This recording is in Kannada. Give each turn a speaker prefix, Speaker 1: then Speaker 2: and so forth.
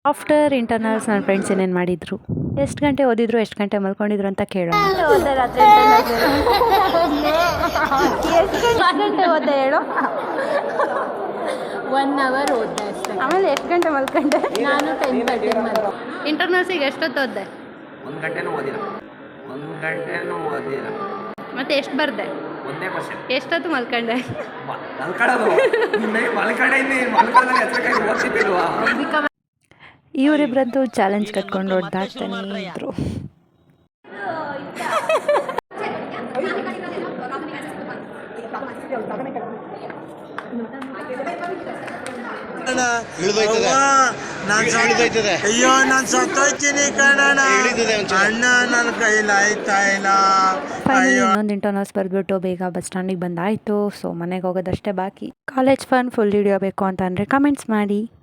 Speaker 1: ಆಫ್ಟರ್ ಇಂಟರ್ನಲ್ಸ್ ನನ್ನ ಫ್ರೆಂಡ್ಸ್ ಏನೇನು ಮಾಡಿದರು, ಎಷ್ಟು ಗಂಟೆ ಓದಿದ್ರು, ಎಷ್ಟು ಗಂಟೆ ಮಲ್ಕೊಂಡಿದ್ರು ಅಂತ ಕೇಳೋಣ. ಓದ್ದೆ ರಾತ್ರಿ ಎಷ್ಟು ಗಂಟೆ ಓದ್ದೆ ಹೇಳು.
Speaker 2: 1 hour ಓದ್ದೆ ಅಷ್ಟೇ.
Speaker 1: ಆಮೇಲೆ ಎಷ್ಟು ಗಂಟೆ ಮಲ್ಕೊಂಡೆ?
Speaker 2: ನಾನು 10:30 ಮಲ್ಕೊಂಡೆ.
Speaker 1: ಇಂಟರ್ನಲ್ಸಿಗೆ ಎಷ್ಟೊತ್ತು ಓದ್ದೆ?
Speaker 3: 1 ಗಂಟೆನೂ ಓದಿಲ್ಲ.
Speaker 1: ಮತ್ತೆ ಎಷ್ಟು ಬರ್ದೆ?
Speaker 3: ಒಂದೇ ಕ್ವಶನ್.
Speaker 1: ಎಷ್ಟೊತ್ತು ಮಲ್ಕೊಂಡೆ? ಇವರಿಬ್ಬರದ್ದು ಚಾಲೆಂಜ್ ಕಟ್ಕೊಂಡು ಓಡ್ದಾಡ್ತಾನೆ ಇದ್ರು.
Speaker 4: ಅಯ್ಯೋ ನಾನು ಸತ್ತೋಯ್ತೀನಿ ಕಣಣ್ಣ, ಅಣ್ಣ ನನ್ನ ಕೈಲಾಯ್ತಾ ಇಲ್ಲ.
Speaker 1: ಇನ್ನೊಂದು ಇಂಟರ್ನಲ್ಸ್ ಬರೆದ್ಬಿಟ್ಟು ಬೇಗ ಬಸ್ ಸ್ಟ್ಯಾಂಡಿಗೆ ಬಂದಾಯಿತು. ಸೊ ಮನೆಗೆ ಹೋಗೋದಷ್ಟೇ ಬಾಕಿ. ಕಾಲೇಜ್ ಫನ್ ಫುಲ್ ಹಿಡಿಯೋಬೇಕು ಅಂತ ಅಂದರೆ ಕಮೆಂಟ್ಸ್ ಮಾಡಿ.